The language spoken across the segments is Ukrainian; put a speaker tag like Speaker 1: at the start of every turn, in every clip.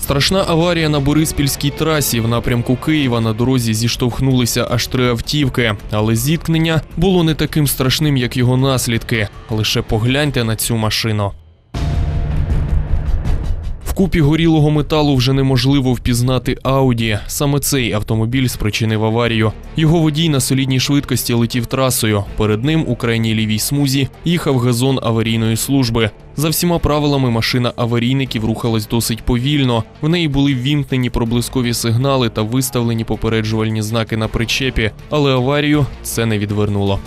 Speaker 1: Страшна аварія на Бориспільській трасі. В напрямку Києва на дорозі зіштовхнулися аж 3 автівки. Але зіткнення було не таким страшним, як його наслідки. Лише погляньте на цю машину. В купі горілого металу вже неможливо впізнати Ауді. Саме цей автомобіль спричинив аварію. Його водій на солідній швидкості летів трасою. Перед ним у крайній лівій смузі їхав газон аварійної служби. За всіма правилами машина аварійників рухалась досить повільно. В неї були ввімкнені проблискові сигнали та виставлені попереджувальні знаки на причепі. Але аварію це не відвернуло.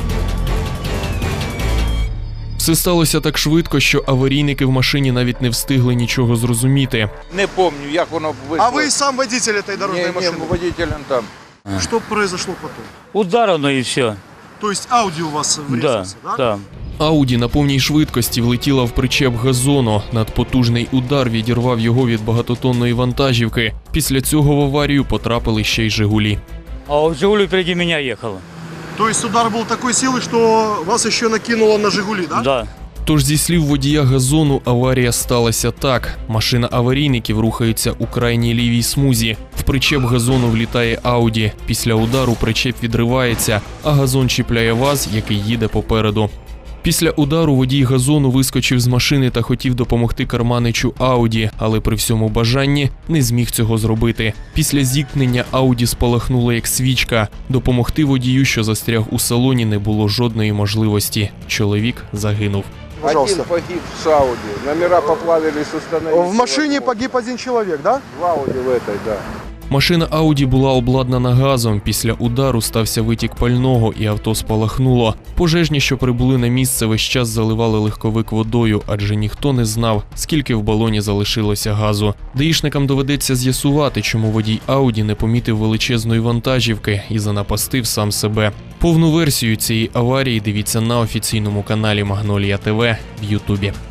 Speaker 1: Все сталося так швидко, що аварійники в машині навіть не встигли нічого зрозуміти.
Speaker 2: Не пам'ятаю, як воно вийшло.
Speaker 3: А ви сам водитель цієї дорожньої машини?
Speaker 2: Ні, водителем там.
Speaker 3: Що произошло потім?
Speaker 4: Ударено і все.
Speaker 3: Тобто Ауді у вас врізався,
Speaker 4: Да,
Speaker 3: так?
Speaker 4: да.
Speaker 1: Ауді на повній швидкості влетіла в причеп газону. Надпотужний удар відірвав його від багатотонної вантажівки. Після цього в аварію потрапили ще й «Жигулі».
Speaker 4: А у «Жигулі» впереді мене їхало.
Speaker 3: Тобто удар був такої сили, що вас ще накинуло на «Жигулі», так?
Speaker 4: Да.
Speaker 1: Тож, зі слів водія газону, аварія сталася так. Машина аварійників рухається у крайній лівій смузі. В причеп газону влітає Ауді. Після удару причеп відривається, а газон чіпляє ВАЗ, який їде попереду. Після удару водій газону вискочив з машини та хотів допомогти керманичу Ауді, але при всьому бажанні не зміг цього зробити. Після зіткнення Ауді спалахнуло як свічка. Допомогти водію, що застряг у салоні, не було жодної можливості. Чоловік загинув.
Speaker 2: Один погиб с Ауди. Номера поплавились, установились.
Speaker 3: В машині погиб один чоловік, так?
Speaker 2: В Ауди в этой, да.
Speaker 1: Машина Ауді була обладнана газом. Після удару стався витік пального і авто спалахнуло. Пожежні, що прибули на місце, весь час заливали легковик водою, адже ніхто не знав, скільки в балоні залишилося газу. Даїшникам доведеться з'ясувати, чому водій Ауді не помітив величезної вантажівки і занапастив сам себе. Повну версію цієї аварії дивіться на офіційному каналі Магнолія ТВ в Ютубі.